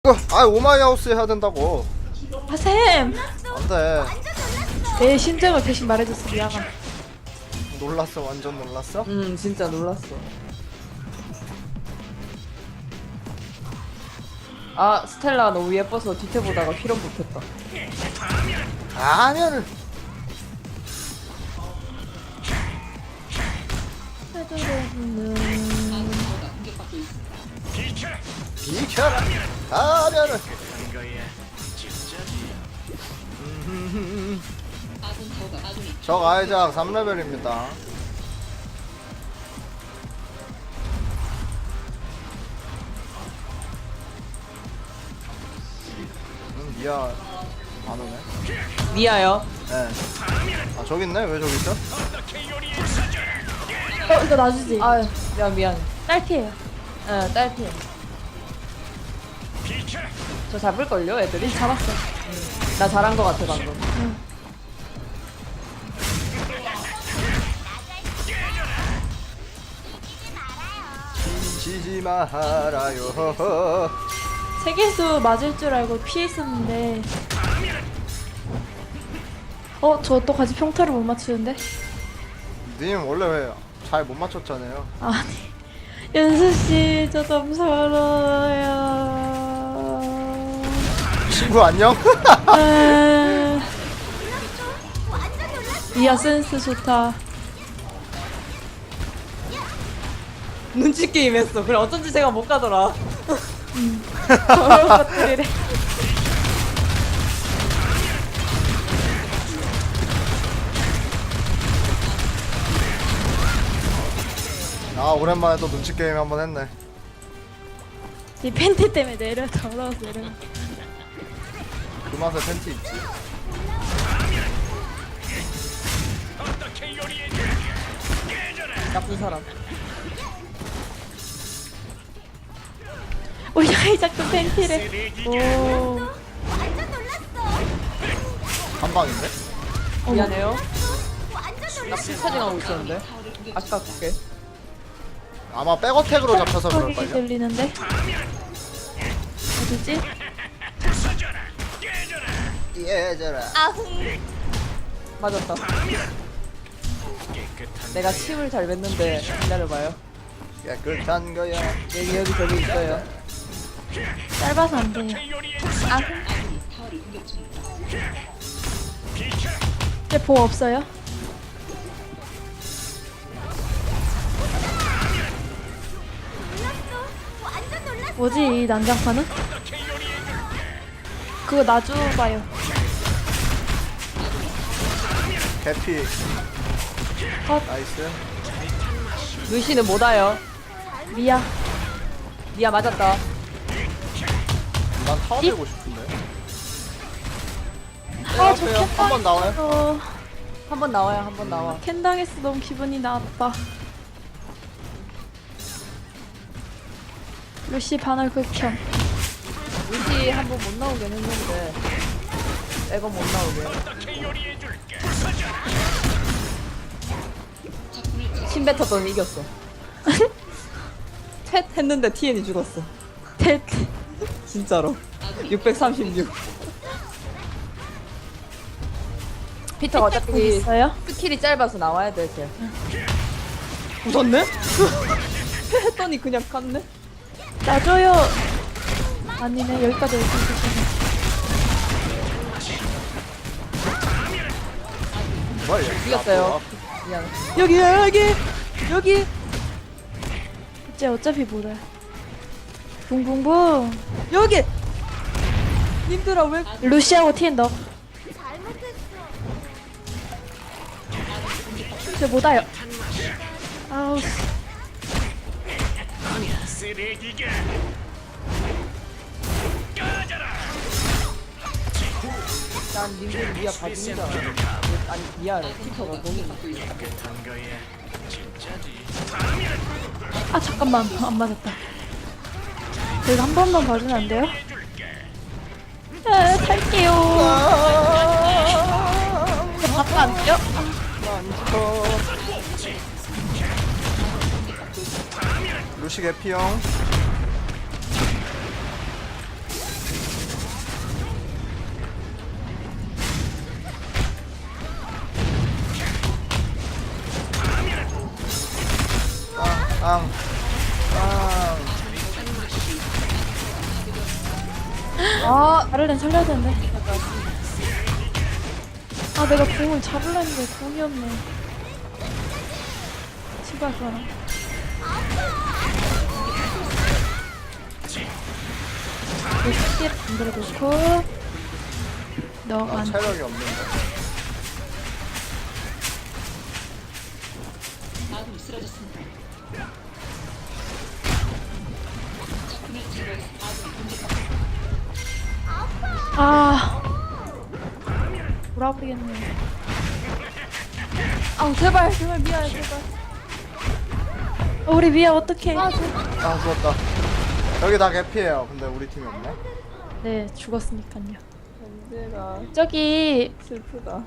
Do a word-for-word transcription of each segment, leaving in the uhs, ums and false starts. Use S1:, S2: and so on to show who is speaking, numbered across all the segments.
S1: 자꾸 아 오마이 하우스 해야 된다고.
S2: 아 쌤!
S1: 안돼.
S2: 내 심정을 대신 말해줬어. 미안함.
S1: 놀랐어, 완전 놀랐어.
S3: 음 진짜 놀랐어. 아 스텔라가 너무 예뻐서 뒤태 보다가 피로 붙었다.
S1: 가면을 비켜라. 가면을 적 아이작 삼 레벨입니다. 음, 미아 안 오네.
S3: 미아요.
S1: 네. 아 저기 있네. 왜 저기 있어?
S2: 어 이거 놔주지.
S3: 아 야 미안.
S2: 딸피예요.
S3: 예 딸피. 저 잡을걸요 애들이?
S2: 잡았어.
S3: 나 잘한 거 같아 방금.
S2: 응.
S1: 지지 말아요.
S2: 세계수 맞을 줄 알고 피했었는데. 어, 저 또 같이 평타를 못 맞추는데?
S1: 님 원래 왜 잘 못 맞췄잖아요.
S2: 아니, 연수씨, 저 너무 서러워요.
S1: 친구 안녕?
S2: 아, 이야, 센스 좋다.
S3: 눈치 게임 했어. 그래 어쩐지 제가 못 가더라.
S2: 저런 것들이래.
S1: 아 오랜만에 또 눈치 게임 한번 했네.
S2: 이 팬티 때문에 내려, 더러워서 내려.
S1: 그 맛에 팬티 있지.
S3: 나쁜 사람.
S2: 오, 야이 작도 팬티래. 오.
S1: 한 방인데?
S3: 미안해요. 나 피차징하고 있었는데. 아깝게.
S1: 아마 백어택으로 잡혀서
S2: 소리
S1: 그럴걸요?
S2: 들리는데? 어디지?
S1: 예져라.
S3: 맞았다. 내가 침을 잘 뱉는데 기다려봐요.
S1: 깨끗한 거야.
S3: 여기 여기 저기 있어요.
S2: 짧아서 안 돼요. 쟤 보 없어요? 뭐지 이 난장판은? 그거 놔줘봐요.
S1: 개피.
S2: 컷.
S1: 나이스.
S3: 루시는 못 와요.
S2: 미야.
S3: 미아 맞았다.
S1: 난 타워 되고 싶은데.
S2: 아, 저
S1: 빼요. 한 번 나와요.
S2: 어,
S3: 한 번 나와요. 한 번 나와.
S2: 캔 당했어. 너무 기분이 나빠. 루시 반월 극혐.
S3: 루시 한 번 못 나오긴 했는데 매번 못 나오게. 침 뱉었더니 이겼어. 텟 했는데 티엔이 죽었어.
S2: 텟.
S3: 진짜로. 육백삼십육. 피터가 어차피
S2: 있어요?
S3: 스킬이 짧아서 나와야 돼, 쟤. 웃었네? 했더니 그냥 갔네?
S2: 놔줘요. 아니네 여기까지 올수 있었네.
S1: 뭐야 얘.
S3: 이겼어요. 미안해.
S2: 여기 여기 여기. 이제 어차피 몰라. 붕붕붕.
S3: 여기! 님들아, 왜.
S2: 루시하고 티엔 넣어. 저 못와요. 아우.
S3: 난 님들 미아 봐준다. 아니, 미아를 피터가 너무.
S2: 아 잠깐만 안 맞았다. 저희가 한 번만 봐주면 안 돼요? 아, 탈게요. 바꿔 안 돼요?
S1: 루시 개피형.
S3: 아,
S2: 아를렌 살려야 되는데. 아 내가 공을 잡으려 했는데 공이 없네. 친구야 그거나. 이렇게 만들어 놓고 너가
S1: 나
S2: 안
S1: 체력이 없는데.
S2: 아 돌아버리겠네.
S3: 아, 제발, 제발 미안해, 제발.
S2: 어, 우리 미아 어떡해.
S3: 아, 저,
S1: 아 죽었다. 여기 다 개피해요. 근데 우리 팀이 없네.
S2: 네 죽었으니까요.
S3: 언제가
S2: 저기
S3: 슬프다.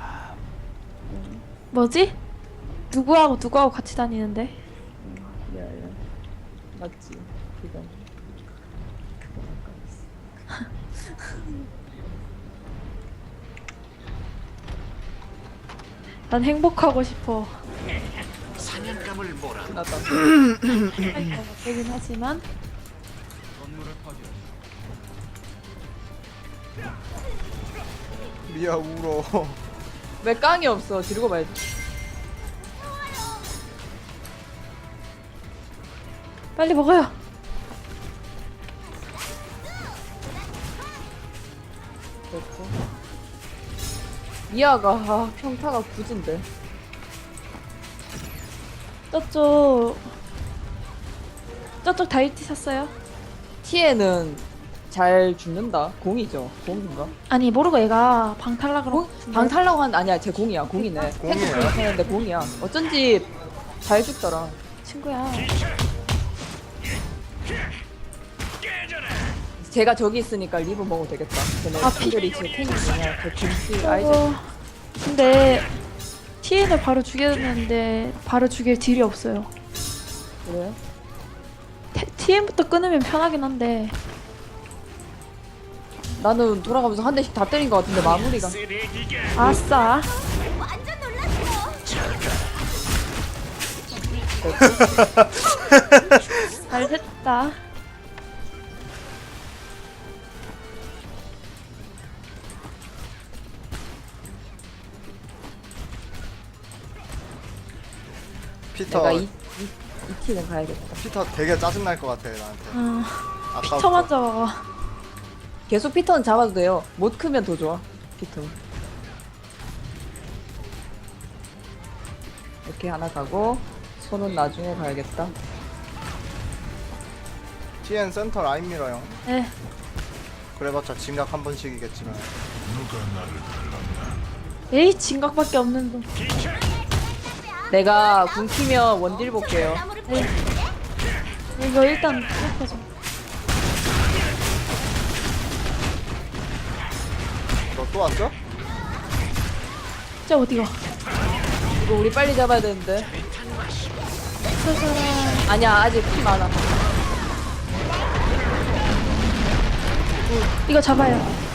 S2: 뭐지? 누구하고 누구하고 같이 다니는데?
S3: 야, 야. 맞지, 그건.
S2: 난 행복하고 싶어.
S4: 사냥감을 몰아
S3: 나다.
S2: 되긴 하지만
S1: 미아 울어.
S3: 왜 깡이 없어? 지르고 봐야지.
S2: 빨리 먹어요.
S3: 됐고. 미아가, 아, 평타가 굳은데.
S2: 저쪽 저쪽 다이티 샀어요?
S3: 티에는 잘 죽는다. 공이죠. 공인가?
S2: 아니 모르고 얘가 방탈락으로
S3: 공? 방탈라고 한 아니야. 제 공이야. 공이네.
S1: 공이에요?
S3: 탱크 공인데 공이야. 어쩐지 잘 죽더라.
S2: 친구야.
S3: 제가 저기 있으니까 리브 먹어도 되겠다. 걔네
S2: 아, 피-
S3: 특별히 제 탱이 뭐냐. 저 김치 아이즈.
S2: 저거 근데 티엔을 바로 죽였는데 바로 죽일 딜이 없어요.
S3: 그래?
S2: 티엔부터 끊으면 편하긴 한데
S3: 나는 돌아가면서 한 대씩 다 때린 것 같은데 마무리가.
S2: 아싸. 잘 됐다.
S1: 피터
S3: 내가 이, 이, 이 티는 가야겠다.
S1: 피터 되게 짜증 날 것 같아 나한테.
S2: 어,
S1: 아까부터.
S2: 피터만 잡아봐.
S3: 계속 피터는 잡아도 돼요. 못 크면 더 좋아. 피터. 이렇게 하나 가고 손은 나중에 가야겠다.
S1: 티엔 센터 라인 밀어요.
S2: 네.
S1: 그래봤자 진각 한 번씩이겠지만.
S2: 에이 진각밖에 없는 놈.
S3: 내가 궁 키면 원딜 볼게요.
S2: 네. 이거 일단 시작하자.
S1: 너 또 왔어?
S2: 진짜 어디가?
S3: 이거 우리 빨리 잡아야 되는데.
S2: 찾아라.
S3: 아니야, 아직 피 많아.
S2: 이거 잡아요.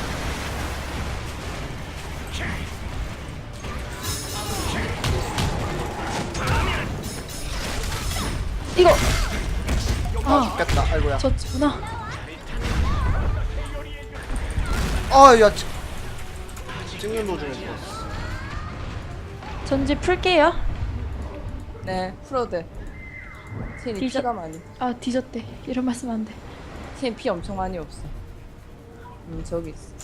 S2: 이거
S1: 아 죽겠다. 아이고야.
S2: 졌구나.
S1: 아야 찍는 도중에 죽었어.
S2: 전지 풀게요.
S3: 네, 풀어도 돼. 티엔이
S2: 디저-
S3: 피가 많이.
S2: 아 뒤졌대. 이런 말씀 안 돼.
S3: 티엔 피 엄청 많이 없어. 음, 저기 있어.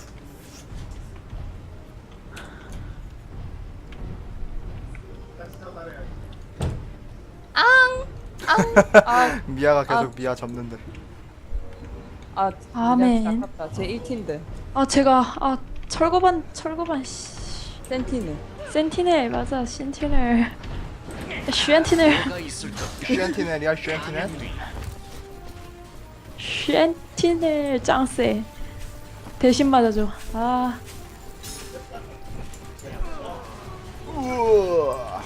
S3: 앙! 앙! 아,
S1: 미아가 계속
S3: 아.
S1: 미아 접는데.
S3: 아,
S2: 아멘.
S3: 미안, 아깝다. 제 일 티인데.
S2: 아 제가 아 철거반 철거반 씨.
S3: 센티는.
S2: 센티넬 맞아 센티넬. 슈엔티넬
S4: 뭐가 있을까
S1: 슈엔티넬이야 슈엔티넬?
S2: 슈엔티넬 짱세. 대신 맞아줘. 아
S1: 우와.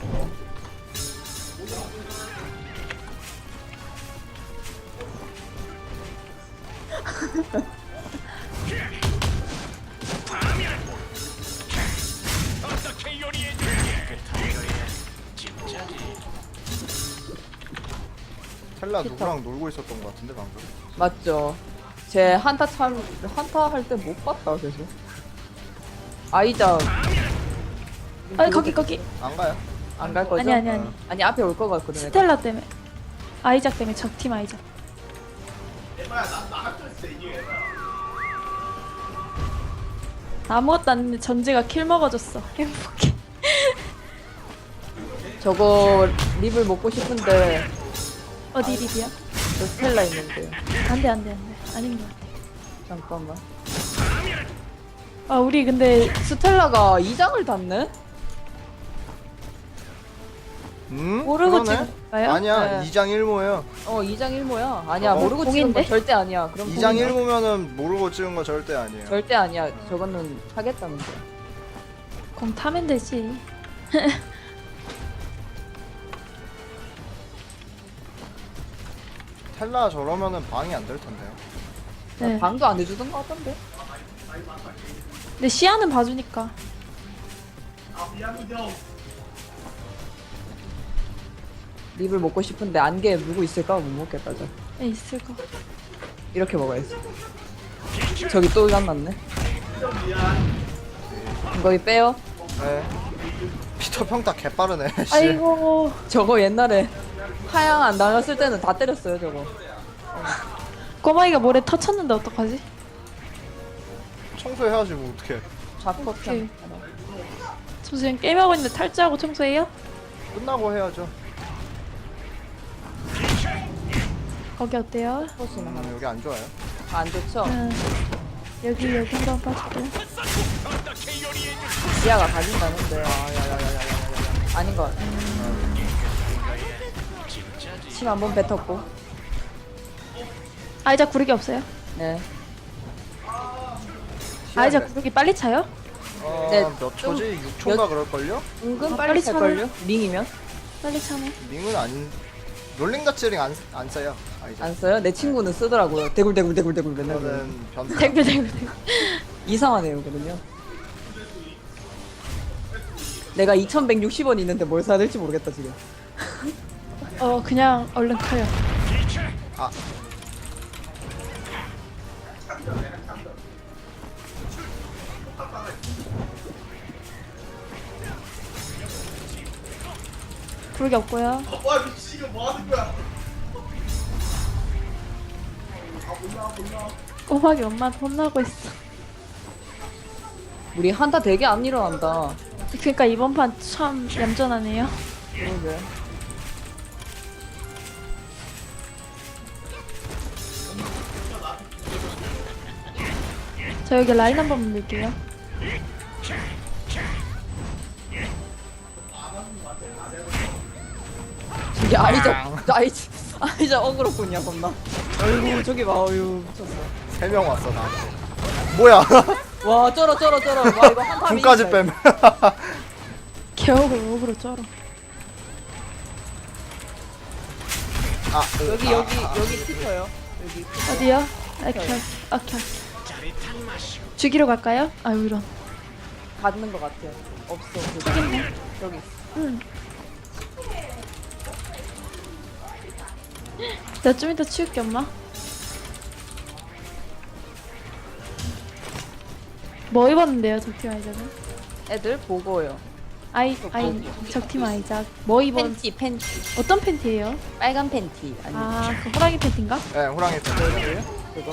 S4: 어떻게 요리해줄게 그거야 진짜지
S1: 텔라 누구랑 놀고 있었던 것 같은데 방금.
S3: 맞죠? 제 한타 참 한타 할 때 못 봤다 계속. 아이자
S2: 아니 거기 거기.
S1: 안 가요?
S3: 안 갈 거죠?
S2: 아니 아니 아니.
S3: 아니 앞에 올 거 같거든. 내가.
S2: 스텔라 때문에. 아이작 때문에 적팀 아이작. 아무것도 안 했는데 전지가 킬 먹어줬어. 행복해.
S3: 저거 립을 먹고 싶은데
S2: 어디 립이야?
S3: 저 스텔라 있는데.
S2: 안돼 안돼 안돼. 아닌 것 같아.
S3: 잠깐만.
S2: 아 우리 근데
S3: 스텔라가 이 장을 닿네?
S1: 음?
S2: 모르고
S1: 그러네?
S2: 찍을까요?
S1: 아니야
S3: 네.
S1: 이 장 일 모예요.
S3: 어 이 장 일 모야. 아니야
S1: 어?
S3: 모르고 찍은
S2: 공인데?
S3: 건 절대 아니야. 그럼
S1: 이 장
S3: 공이야.
S1: 일 모면은 모르고 찍은 거 절대 아니에요.
S3: 절대 아니야. 저거는 하겠다는데.
S2: 공 타면 되지.
S1: 텔라 저러면은 방이 안 될 텐데요.
S2: 네.
S3: 방도 안 해주던 거 같던데?
S2: 근데 시야는 봐주니까.
S3: 립을 먹고 싶은데 안개에 누구 있을까? 못 먹겠다 저.
S2: 에 있을 거.
S3: 이렇게 먹어야지. 저기 또 만났네. 거기 빼요.
S1: 네. 피터 평타 개빠르네. 씨.
S2: 아이고.
S3: 저거 옛날에 하양 안 나갔을 때는 다 때렸어요 저거.
S2: 꼬마이가 모래 터쳤는데 어떡하지?
S1: 청소해야지 뭐 어떡해.
S3: 좌퍼편.
S2: 저 지금 게임하고 있는데 탈주하고 청소해요?
S1: 끝나고 해야죠.
S2: 거기 어때요?
S3: 포스는 하나.
S1: 음, 여기 안 좋아요.
S3: 안 좋죠?
S2: 음, 여기 여기 한번 봐줄게요.
S3: 지하가 가진다는데. 아닌 것 같아. 침 한 번 뱉었고.
S2: 아이작 구르기 없어요?
S3: 네.
S2: 아이작 구르기 빨리 차요?
S1: 어,
S3: 네,
S1: 몇
S3: 좀-
S1: 초지? 육 초인가 그럴걸요?
S3: 은근
S2: 아,
S3: 빨리
S2: 빨리
S3: 찰걸요? 링이면?
S2: 빨리 차네.
S1: 링은 안 롤링가츠링 안, 안 써요. 아, 이제
S3: 안 써요? 내 친구는 쓰더라고요. 대굴대굴대굴대굴 맨날. 그래요.
S1: 저는 변
S2: 대구 대구 대구.
S3: 이상하네요, 그러면. 내가 이천백육십 원 있는데 뭘 사야 될지 모르겠다, 지금.
S2: 어 그냥 얼른 커요.
S1: 아
S2: 구르기 없고요. 꼬막이 엄마한테 혼나고 있어.
S3: 우리 한타 되게 안 일어난다.
S2: 그러니까 이번 판 참 얌전하네요.
S3: 그러게.
S2: 저 여기 라인 한 번만 밀게요.
S3: 저기 아이자, 아이자, 아이자 어그로꾼이야, 겁나. 아이고, 저기 봐, 어휴, 미쳤어.
S1: 세 명 왔어 나한테. 뭐야?
S3: 와, 쩔어, 쩔어, 쩔어. 와, 이거 한타
S1: 군까지
S3: 미쳤다,
S1: 빼면.
S2: 개억으로 억으로 쩔어.
S1: 아
S3: 이거. 여기, 여기, 여기 티터요. 여기.
S2: 어디요? 오케이 오케이. 죽이러 갈까요? 아유 이런.
S3: 받는 것 같아. 없어. 저기.
S2: 저기 있네.
S3: 저기.
S2: 응. 나 좀 이따 치울게 엄마. 뭐 입었는데요 적팀 아이작은?
S3: 애들 보고요.
S2: 아이 아이 적팀 아이작 뭐 입은?
S3: 팬티, 팬티.
S2: 어떤 팬티예요?
S3: 빨간 팬티. 아니,
S2: 아그 호랑이 팬티인가?
S1: 네 호랑이 팬이에요.
S3: 그거.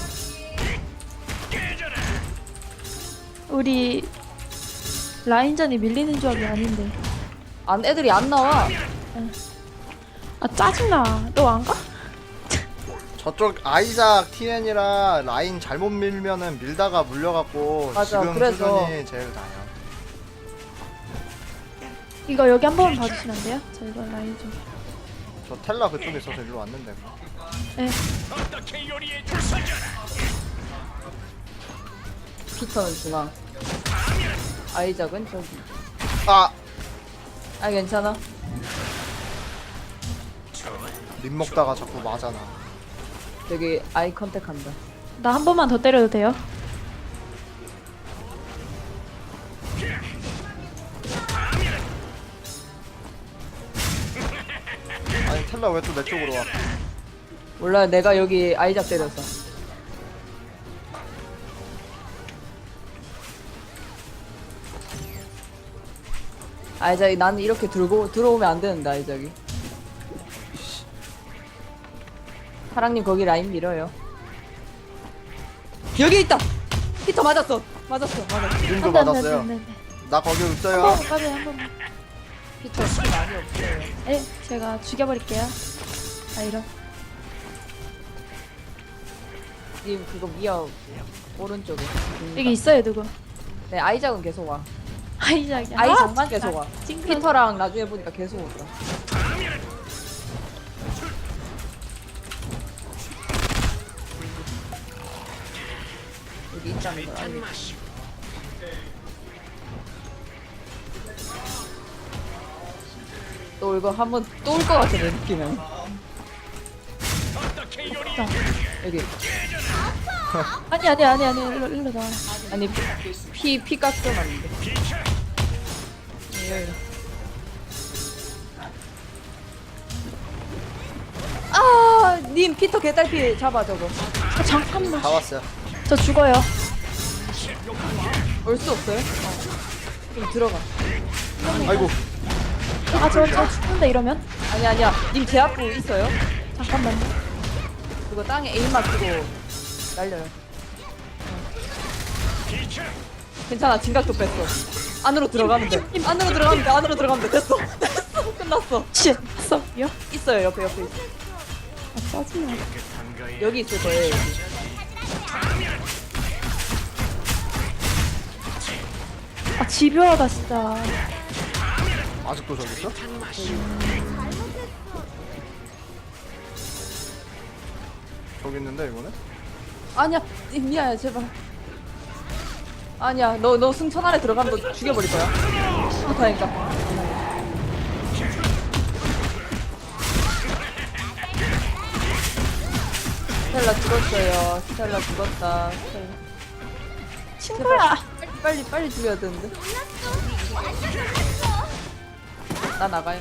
S2: 우리 라인전이 밀리는 조합이 아닌데.
S3: 안, 애들이 안 나와.
S2: 아 짜증나. 너 안 가?
S1: 저쪽 아이작 티엔이라 라인 잘못 밀면은 밀다가 물려갖고
S3: 맞아,
S1: 지금
S3: 그래서.
S1: 수준이 제일 나요.
S2: 이거 여기 한 번만 봐주시면 안 돼요? 저 이거 라인 좀.
S1: 저 텔라 그쪽에 있어서 일로 왔는데.
S2: 네.
S4: 어떻게 요리해 줄 서줘라.
S3: 피터는 중앙. 아이작은 저기.
S1: 아
S3: 아, 괜찮아.
S1: 립 먹다가 자꾸 맞아나.
S3: 저기 아이 컨택 한다.
S2: 나 한 번만 더 때려도 돼요?
S1: 아니 텔라 왜 또 내 쪽으로 와?
S3: 몰라, 내가 여기 아이작 때렸어. 아이작이 나는 이렇게 들고 들어오면 안 되는데 아이작이. 사랑님 거기 라인 밀어요. 여기 있다. 피터 맞았어. 맞았어. 맞았어.
S1: 지금도
S2: 안 돼, 안 돼,
S1: 맞았어요.
S2: 안 돼, 안 돼.
S1: 나 거기
S2: 한
S1: 없어요.
S2: 번만 까비 한 번만.
S3: 피터 피 많이 없어요.
S2: 에 제가 죽여버릴게요. 아 이런.
S3: 님 그거 미어 오른쪽에.
S2: 여기 있어요 누구?
S3: 네 아이작은 계속 와.
S2: 아이작이야.
S3: 아이작만 계속 와.
S2: 찡그러.
S3: 피터랑 나중에 보니까 계속 온다. 여기 있다는 걸 알려. 또 이거 한번 또 올 것 같아 내 느낌은.
S4: 어떻게 요리
S2: 자,
S3: 여기
S2: 아니 아니 아니 아니 일로 일로 나와.
S3: 아니 피피 깎여놨는데. 여기. 아, 님 피터 개딸피 잡아 저거.
S2: 아, 잠깐만.
S1: 다 왔어요.
S2: 저 죽어요.
S3: 올 수 없어요? 어. 좀 들어가.
S1: 아이고.
S2: 아저 저 죽는데 이러면?
S3: 아니 아니야. 님 제 앞에 있어요?
S2: 잠깐만요.
S3: 그거 땅에 에임 맞추고 날려요. 괜찮아. 진각도 뺐어. 안으로 들어가면 돼. 안으로 들어가면 돼. 안으로 들어가면 돼. 됐어. 됐어. 끝났어.
S2: 씨, 왔어요?
S3: 있어요. 옆에 옆에 있어.
S2: 아 짜증나.
S3: 여기 있을 거예요. 여기.
S2: 아 집요하다 진짜.
S1: 아직도 저기 있어? 저기 있는데 이거는?
S3: 아니야. 님 미아야 제발. 아니야. 너 너 승천 안에 들어가면 너 죽여버릴 거야. 그렇다니까. 스텔라 죽었어요. 스텔라 죽었다. 스텔라.
S2: 친구야.
S3: 빨리 빨리 빨리 죽여야 되는데. 나 나가요.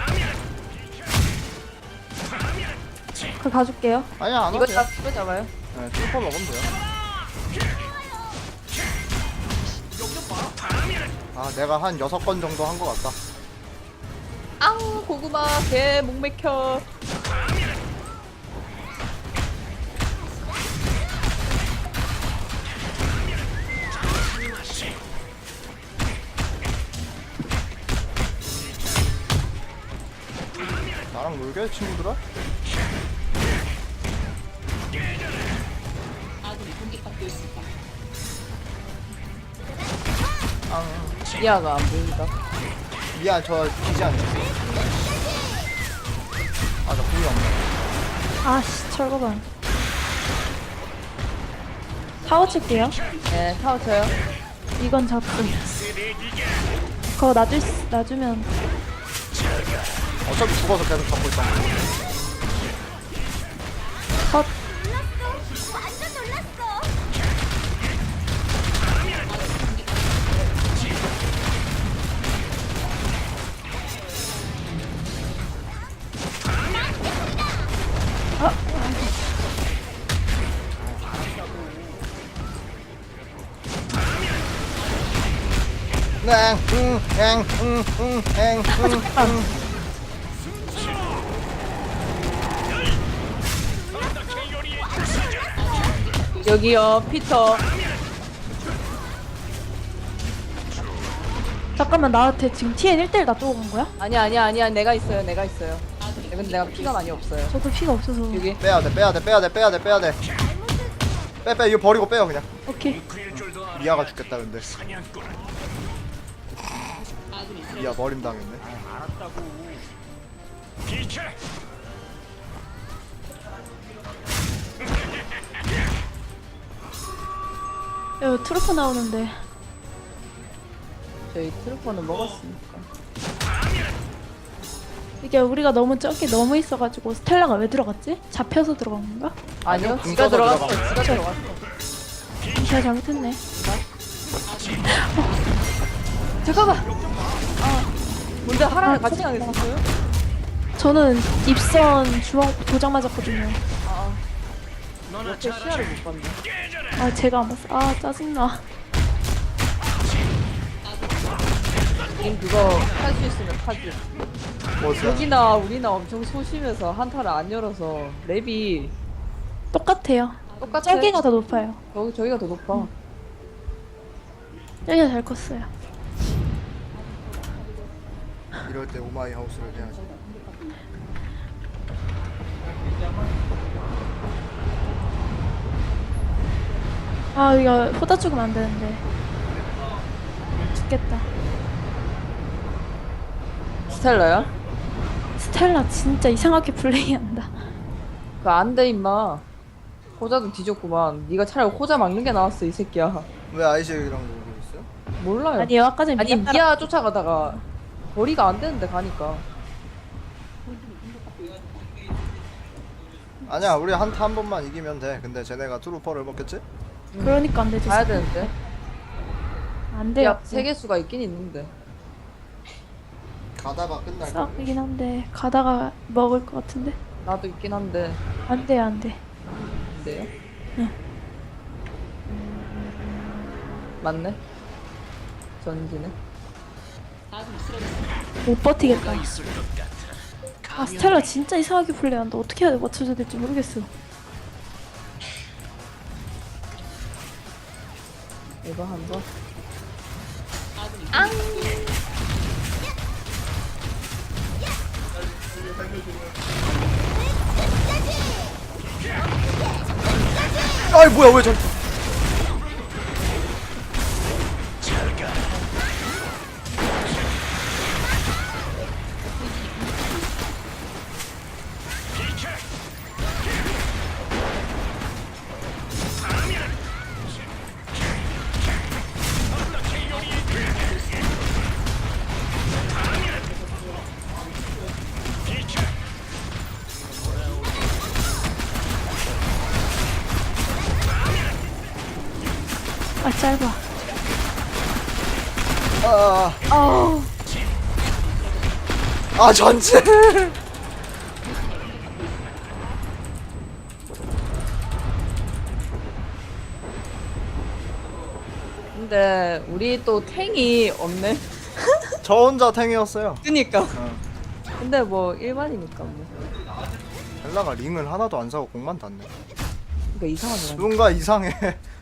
S2: 그 가줄게요.
S1: 아니야 안
S3: 이거
S1: 와도
S3: 잡
S1: 돼.
S3: 이거 잡아요.
S1: 네, 트루퍼 먹으면 돼요. 아 내가 한 여섯 건 정도 한 것 같다.
S3: 앙 고구마 개 목맥혀.
S1: 나랑 놀게 친구들아?
S3: 미아가 안 보인다.
S1: 미안 저 기지 않네. 아나 궁이 없네.
S2: 아씨 철거반. 타워 칠게요.
S3: 네 타워 쳐요.
S2: 이건 잡고. 그거 놔줄 수- 놔주면
S1: 어차피 죽어서 계속 잡고 있다.
S2: 컷.
S1: 응, 응, 응, 응, 응, 응, 응, 응.
S3: 여기요 피터.
S2: 잠깐만 나한테 지금 티엔 일 대 일 놔두고 간 거야?
S3: 아니야 아니야 아니야 내가 있어요 내가 있어요. 네, 근데 내가 피가 많이 없어요.
S2: 저도 피가 없어서.
S3: 여기
S1: 빼야 돼, 빼야 돼, 빼야 돼, 빼야 돼, 빼야 돼. 빼, 빼, 이거 버리고 빼요 그냥.
S2: 오케이.
S1: 미아가 죽겠다 근데.
S4: 사냥꾼
S1: 미아 버림 당했네.
S4: 비켜.
S2: 여기 트루프 나오는데.
S3: 저희 트루퍼는 먹었으니까.
S2: 이게 우리가 너무 적게 너무 있어가지고 스텔라가 왜 들어갔지? 잡혀서 들어간 건가?
S3: 아니요
S1: 궁
S3: 지가
S1: 써서
S3: 들어갔어.
S1: 들어간
S3: 지가 들어갔어.
S2: 제가 잘못했네.
S3: 잠깐만. 아 뭔데 하랑이
S2: 아,
S3: 같이 가겠었어요?
S2: 저는 입선 주먹 도장 맞았거든요.
S3: 아
S4: 너나
S3: 옆에 시야를 못 봤네.
S2: 아 제가 안 봤어. 아 짜증나.
S3: 님 그거 할 수 있으면 타지.
S1: 뭐지?
S3: 여기나 우리나 엄청 소심해서 한타를 안 열어서 랩이
S2: 똑같아요.
S3: 똑같아.
S2: 짤기가 더 높아요.
S3: 저, 저기가 더 높아.
S2: 짤기가 잘 컸어요.
S1: 이럴 때 오마이 하우스를 해야지.
S2: 아 이거 호다 죽으면 안 되는데. 죽겠다.
S3: 스텔라야?
S2: 스텔라 진짜 이상하게 플레이한다.
S3: 그거 안돼 임마. 호자도 뒤졌구만. 네가 차라리 호자 막는 게 나았어 이 새끼야.
S1: 왜 아이즈랑 놀고 있어요?
S3: 몰라요.
S2: 아니요 아까 전에
S3: 아니
S2: 미아
S3: 미아 쫓아가다가 거리가 안 되는데 가니까.
S1: 아니야, 우리 한타 한 번만 이기면 돼. 근데 쟤네가 트루퍼를 먹겠지?
S2: 그러니까 안 되지.
S3: 가야 되는데.
S2: 안 돼요.
S3: 야 세계수가 있긴 있는데.
S1: 가다가 끝날 거.
S2: 싹이긴 한데 가다가 먹을 것 같은데.
S3: 나도 있긴 한데.
S2: 안 돼요 안 돼.
S3: 근데요?
S2: 응.
S3: 맞네. 전지네.
S2: 못 버티겠다. 아 스텔라 진짜 이상하게 플레이한다. 어떻게 해야 돼 맞춰줘야 될지 모르겠어.
S3: 이거 한 번.
S1: 아이 뭐야 왜 저?
S2: 아 짧아.
S1: 아,
S2: 아우
S1: 아 전체.
S3: 근데 우리 또 탱이 없네.
S1: 저 혼자 탱이었어요.
S3: 그니까.
S1: 어.
S3: 근데 뭐 일반이니까 뭐.
S1: 헬라가 링을 하나도 안 사고 공만 땄네.
S3: 그러니까 이상하더라.
S1: 뭔가 이상해.